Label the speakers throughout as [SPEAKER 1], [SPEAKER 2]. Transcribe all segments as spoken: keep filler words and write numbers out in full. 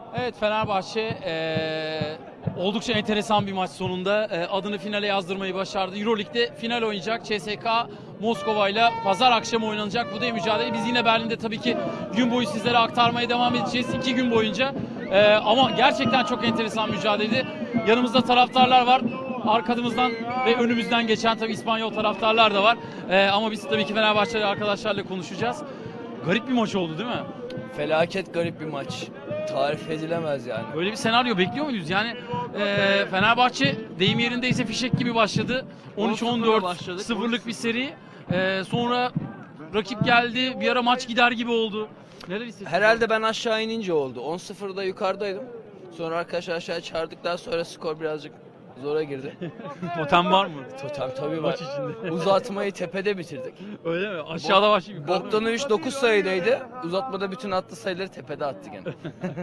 [SPEAKER 1] Evet, Fenerbahçe eee, oldukça enteresan bir maç sonunda eee, adını finale yazdırmayı başardı. Euroleague'de final oynayacak C S K A Moskova ile pazar akşamı oynanacak bu da mücadele. Biz yine Berlin'de tabii ki gün boyu sizlere aktarmaya devam edeceğiz iki gün boyunca. Eee, ama gerçekten çok enteresan mücadeleydi. Yanımızda taraftarlar var. Arkamızdan ve önümüzden geçen tabii İspanyol taraftarlar da var. Eee, ama biz tabii ki Fenerbahçeli arkadaşlarla konuşacağız. Garip bir maç oldu değil mi?
[SPEAKER 2] Felaket garip bir maç. Tarif edilemez yani.
[SPEAKER 1] Böyle bir senaryo bekliyor muydunuz? Yani e, Fenerbahçe deyim yerindeyse fişek gibi başladı. on üç on dört
[SPEAKER 2] başladık.
[SPEAKER 1] sıfırlık bir seri. E, sonra rakip geldi. Bir ara maç gider gibi oldu. Neler hissettiniz?
[SPEAKER 2] Herhalde ben aşağı inince oldu. on sıfırda yukarıdaydım. Sonra arkadaşlar aşağı çağırdıktan sonra skor birazcık zora girdi.
[SPEAKER 1] Totem var mı?
[SPEAKER 2] Totem tabii var.
[SPEAKER 1] Maç içinde.
[SPEAKER 2] Uzatmayı tepede bitirdik.
[SPEAKER 1] Öyle mi? Aşağıda başlayıp yukarıda mı?
[SPEAKER 2] Bogdanovic dokuz sayıdaydı. Uzatmada bütün attığı sayıları tepede attı gene.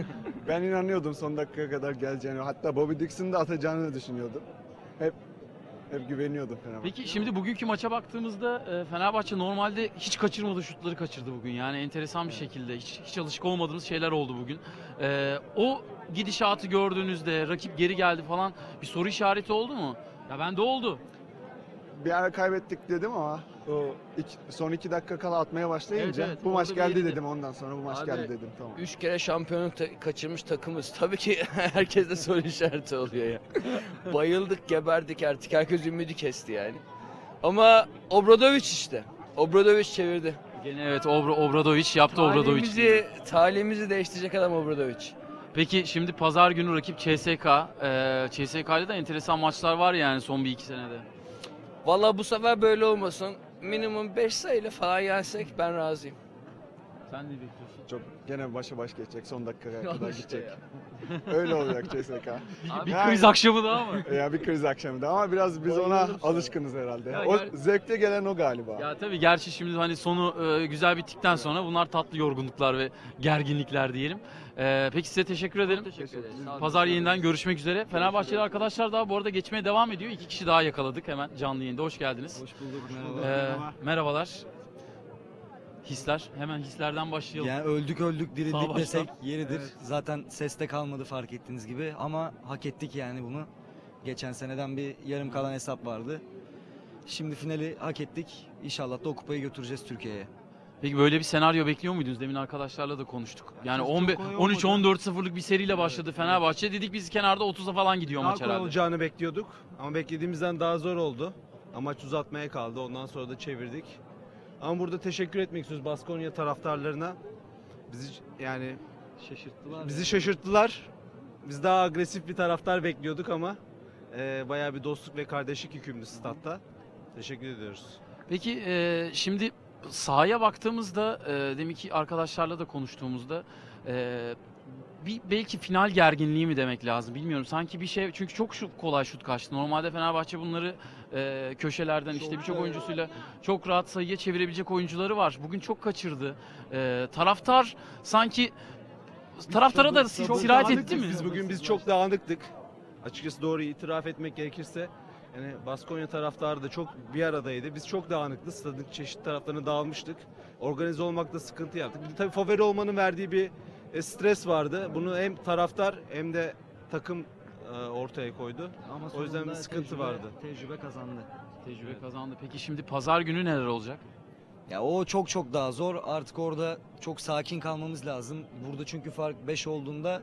[SPEAKER 3] Ben inanıyordum son dakikaya kadar geleceğini. Hatta Bobby Dixon'ın da atacağını düşünüyordum. Hep hep güveniyordum Fenerbahçe.
[SPEAKER 1] Peki şimdi bugünkü maça baktığımızda e, Fenerbahçe normalde hiç kaçırmadığı şutları kaçırdı bugün. Yani enteresan bir şekilde hiç, hiç alışık olmadığımız şeyler oldu bugün. E, o gidişatı gördüğünüzde rakip geri geldi falan bir soru işareti oldu mu? Ya bende oldu.
[SPEAKER 3] Bir ara kaybettik dedim ama o iki, son iki dakika kala atmaya başlayınca
[SPEAKER 1] Evet, evet,
[SPEAKER 3] bu maç
[SPEAKER 1] orada bir
[SPEAKER 3] geldi
[SPEAKER 1] yerinde.
[SPEAKER 3] dedim ondan sonra bu maç
[SPEAKER 2] Abi,
[SPEAKER 3] geldi dedim tamam.
[SPEAKER 2] Üç kere şampiyonluk ta- kaçırmış takımız. Tabii ki herkes de soru işareti oluyor ya. Bayıldık, geberdik artık. Herkes ümidi kesti yani. Ama Obradovic işte. Obradovic çevirdi.
[SPEAKER 1] Gene evet Obra, Obradovic yaptı Obradovic.
[SPEAKER 2] Talihimizi, talihimizi değiştirecek adam Obradovic.
[SPEAKER 1] Peki şimdi pazar günü rakip C S K A. E, C S K A'da da enteresan maçlar var yani son bir iki senede.
[SPEAKER 2] Vallahi bu sefer böyle olmasın. Minimum beş sayıyla falan yensek ben razıyım.
[SPEAKER 1] Sen ne bekliyorsun?
[SPEAKER 3] Çok gene başa baş geçecek son dakikaya
[SPEAKER 2] Al
[SPEAKER 3] kadar
[SPEAKER 2] işte
[SPEAKER 3] gidecek.
[SPEAKER 2] ya.
[SPEAKER 3] Öyle olacak C S K.
[SPEAKER 1] Bir
[SPEAKER 3] Yani-
[SPEAKER 1] kriz akşamı daha mı?
[SPEAKER 3] Ya bir kriz akşamında ama biraz biz ona
[SPEAKER 2] Bayılırım sana.
[SPEAKER 3] alışkınız herhalde.
[SPEAKER 1] Ya
[SPEAKER 3] O
[SPEAKER 1] gel-
[SPEAKER 3] zevkte gelen o galiba.
[SPEAKER 1] Ya tabii gerçi şimdi hani sonu e, güzel bittikten sonra bunlar tatlı yorgunluklar ve gerginlikler diyelim. E, peki size teşekkür ederim.
[SPEAKER 2] Teşekkür ederiz. Sağ olun.
[SPEAKER 1] Pazar yeniden görüşmek üzere. Fenerbahçeli arkadaşlar daha bu arada geçmeye devam ediyor. İki kişi daha yakaladık hemen canlı yayında. Hoş geldiniz.
[SPEAKER 4] Hoş bulduk.
[SPEAKER 1] E, merhabalar. Hisler. Hemen hislerden başlayalım.
[SPEAKER 4] Yani öldük öldük
[SPEAKER 1] Sağ
[SPEAKER 4] dirildik
[SPEAKER 1] baştan.
[SPEAKER 4] desek yeridir. Zaten seste kalmadı fark ettiğiniz gibi ama hak ettik yani bunu. Geçen seneden bir yarım kalan hesap vardı. Şimdi finali hak ettik. İnşallah da o kupayı götüreceğiz Türkiye'ye.
[SPEAKER 1] Peki böyle bir senaryo bekliyor muydunuz? Demin arkadaşlarla da konuştuk. Yani
[SPEAKER 5] çok
[SPEAKER 1] on beş
[SPEAKER 5] kolay
[SPEAKER 1] on üç
[SPEAKER 5] olmadı.
[SPEAKER 1] on dört sıfırlık bir seriyle başladı Fenerbahçe. Dedik biz kenarda otuza falan gidiyor
[SPEAKER 5] Daha
[SPEAKER 1] maç
[SPEAKER 5] kolay
[SPEAKER 1] herhalde.
[SPEAKER 5] olacağını bekliyorduk ama beklediğimizden daha zor oldu. Amaç uzatmaya kaldı. Ondan sonra da çevirdik. Ama burada teşekkür etmek istiyoruz Baskonya taraftarlarına. Bizi yani
[SPEAKER 4] Şaşırttılar.
[SPEAKER 5] bizi şaşırttılar. Biz daha agresif bir taraftar bekliyorduk ama e, bayağı bir dostluk ve kardeşlik hükümlü statta. Teşekkür ediyoruz.
[SPEAKER 1] Peki e, şimdi sahaya baktığımızda e, deminki arkadaşlarla da konuştuğumuzda e, bir belki final gerginliği mi demek lazım bilmiyorum. Sanki bir şey çünkü çok şut, kolay şut kaçtı. Normalde Fenerbahçe bunları e, köşelerden işte birçok oyuncusuyla çok rahat sayıya çevirebilecek oyuncuları var. Bugün çok kaçırdı. E, taraftar sanki taraftara da
[SPEAKER 5] Çok- çok
[SPEAKER 1] sirayet etti
[SPEAKER 5] dağınıktık
[SPEAKER 1] mi?
[SPEAKER 5] Biz bugün biz çok dağınıktık. Açıkçası doğru itiraf etmek gerekirse yani Baskonya taraftarı da çok bir aradaydı. Biz çok dağınıktık. Stadın çeşitli taraflarına dağılmıştık. Organize olmakta sıkıntı yaptık. Bir de tabii favori olmanın verdiği bir e, stres vardı. Bunu hem taraftar hem de takım e, ortaya koydu.
[SPEAKER 4] Ama
[SPEAKER 5] O yüzden
[SPEAKER 4] sonunda
[SPEAKER 5] bir sıkıntı
[SPEAKER 4] tecrübe-
[SPEAKER 5] vardı.
[SPEAKER 4] Tecrübe kazandı.
[SPEAKER 1] Tecrübe kazandı. Peki şimdi pazar günü neler olacak?
[SPEAKER 4] Ya o çok çok daha zor. Artık orada çok sakin kalmamız lazım. Burada çünkü fark beş olduğunda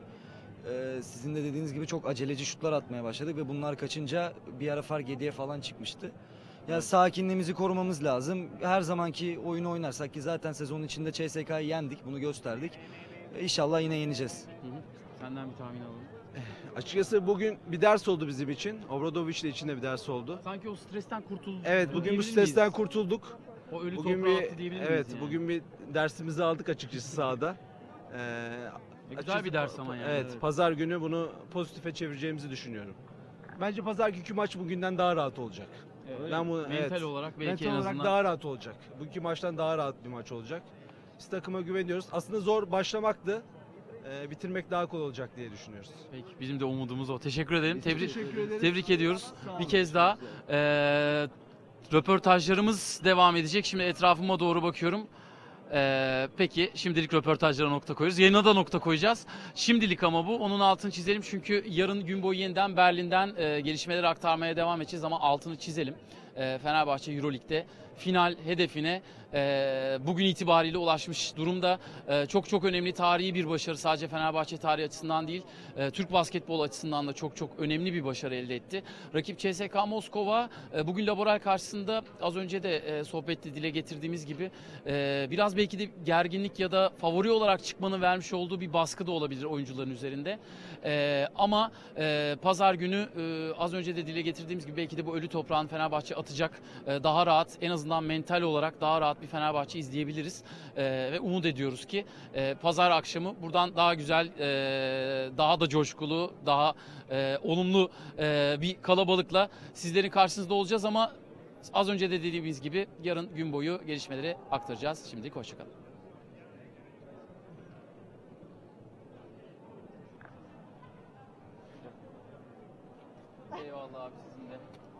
[SPEAKER 4] e, sizin de dediğiniz gibi çok aceleci şutlar atmaya başladık ve bunlar kaçınca bir ara fark yediye falan çıkmıştı. Ya sakinliğimizi korumamız lazım. Her zamanki oyunu oynarsak ki zaten sezonun içinde C S K'yı yendik, bunu gösterdik. E, İnşallah yine yeneceğiz.
[SPEAKER 1] Hı hı. Senden bir tahmin alalım.
[SPEAKER 5] Açıkçası bugün bir ders oldu bizim için. Obradoviç de için de bir ders oldu.
[SPEAKER 1] Sanki o stresten kurtulduk.
[SPEAKER 5] Evet bugün bu
[SPEAKER 1] diyebilir
[SPEAKER 5] stresten
[SPEAKER 1] miyiz?
[SPEAKER 5] kurtulduk.
[SPEAKER 1] O ölü
[SPEAKER 5] Bugün
[SPEAKER 1] toprağa
[SPEAKER 5] bir
[SPEAKER 1] attı diyebilir miyiz
[SPEAKER 5] evet
[SPEAKER 1] yani?
[SPEAKER 5] bugün bir dersimizi aldık açıkçası sahada. Ee,
[SPEAKER 1] E, güzel
[SPEAKER 5] açıkçası
[SPEAKER 1] bir ders ama yani.
[SPEAKER 5] Evet, pazar günü bunu pozitife çevireceğimizi düşünüyorum. Bence pazar günkü maç bugünden daha rahat olacak.
[SPEAKER 1] Evet.
[SPEAKER 5] Ben bunu
[SPEAKER 1] Mental
[SPEAKER 5] evet,
[SPEAKER 1] olarak belki
[SPEAKER 5] mental
[SPEAKER 1] en
[SPEAKER 5] olarak
[SPEAKER 1] azından.
[SPEAKER 5] daha rahat olacak. Bugünkü maçtan daha rahat bir maç olacak. Biz takıma güveniyoruz. Aslında zor başlamaktı. Ee, bitirmek daha kolay olacak diye düşünüyoruz.
[SPEAKER 1] Peki bizim de umudumuz o. Teşekkür ederim.
[SPEAKER 5] Biz
[SPEAKER 1] Tebrik
[SPEAKER 5] teşekkür ederiz.
[SPEAKER 1] tebrik ediyoruz.
[SPEAKER 5] Sağ olun.
[SPEAKER 1] Bir kez daha eee röportajlarımız devam edecek. Şimdi etrafıma doğru bakıyorum. Ee, peki şimdilik röportajlara nokta koyuyoruz. Yayına da nokta koyacağız. Şimdilik ama bu. Onun altını çizelim çünkü yarın gün boyu yeniden Berlin'den e, gelişmeleri aktarmaya devam edeceğiz ama altını çizelim. E, Fenerbahçe Euroleague'de final hedefine e, bugün itibariyle ulaşmış durumda. E, çok çok önemli tarihi bir başarı. Sadece Fenerbahçe tarihi açısından değil, e, Türk basketbol açısından da çok çok önemli bir başarı elde etti. Rakip C S K A Moskova e, bugün Laboral karşısında az önce de e, sohbette dile getirdiğimiz gibi e, biraz belki de gerginlik ya da favori olarak çıkmanın vermiş olduğu bir baskı da olabilir oyuncuların üzerinde. E, ama e, pazar günü e, az önce de dile getirdiğimiz gibi belki de bu ölü toprağın Fenerbahçe atacak. E, daha rahat, en azından mental olarak daha rahat bir Fenerbahçe izleyebiliriz. E, ve umut ediyoruz ki e, pazar akşamı buradan daha güzel, e, daha da coşkulu, daha e, olumlu e, bir kalabalıkla sizlerin karşınızda olacağız ama az önce de dediğimiz gibi yarın gün boyu gelişmeleri aktaracağız. Şimdilik hoşçakalın. Eyvallah abi, sizin de.